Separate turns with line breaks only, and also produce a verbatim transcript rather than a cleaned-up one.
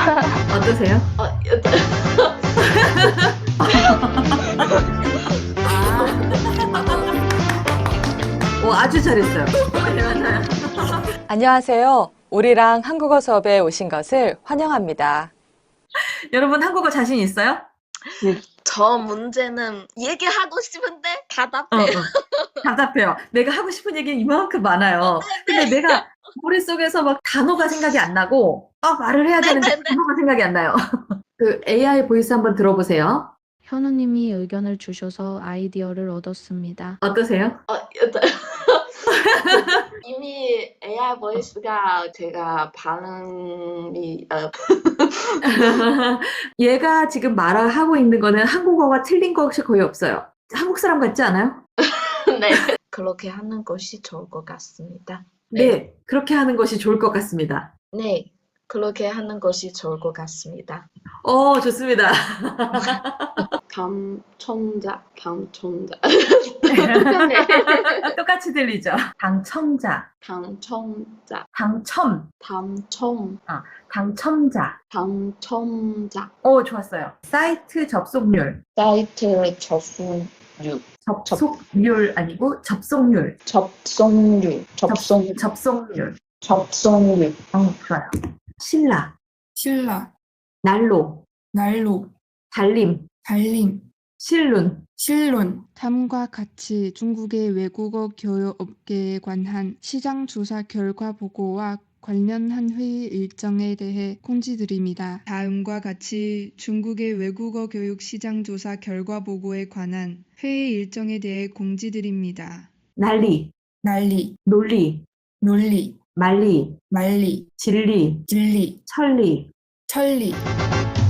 어떠세요?
아, 여튼
오, 아주 잘했어요. 네, 맞아요.
안녕하세요. 우리랑 한국어 수업에 오신 것을 환영합니다.
여러분, 한국어 자신 있어요?
저 문제는 얘기하고 싶은데
어,
답답해.
어. 답답해요. 내가 하고 싶은 얘기는 이만큼 많아요. 근데 내가 머릿속에서 막 단어가 생각이 안 나고, 아, 말을 해야 되는데
네네네.
단어가 생각이 안 나요. 그 에이아이 보이스 한번 들어보세요.
현우님이 의견을 주셔서 아이디어를 얻었습니다.
어떠세요?
아, 여튼 이미 에이아이 보이스가 제가 반응이 어,
얘가 지금 말하고 있는 거는 한국어가 틀린 것이 거의 없어요. 한국 사람 같지 않아요?
네. 그렇게 하는 것이 좋을 것 같습니다.
네, 그렇게 하는 것이 좋을 것 같습니다.
네. 그렇게 하는 것이 좋을 것 같습니다.
어, 좋습니다.
당첨자, 당첨자,
똑같이 들리죠? 당첨자,
당첨자,
당첨,
당첨,
당첨자.
당첨자.
오, 좋았어요. 사이트 접속률.
사이트 접속률,
접속률 아니고 접속률.
접속률, 접속,
접속률.
접속률.
어, 좋아요. 신라,
신라,
난로,
난로,
달림,
달림,
실룬.
실론,
다음과 같이 중국의 외국어 교육 업계에 관한 시장 조사 결과 보고와 관련한 회의 일정에 대해 공지드립니다. 다음과 같이 중국의 외국어 교육 시장 조사 결과 보고에 관한 회의 일정에 대해 공지드립니다.
난리,
난리,
논리,
논리,
말리,
말리,
진리,
진리,
천리.
천리.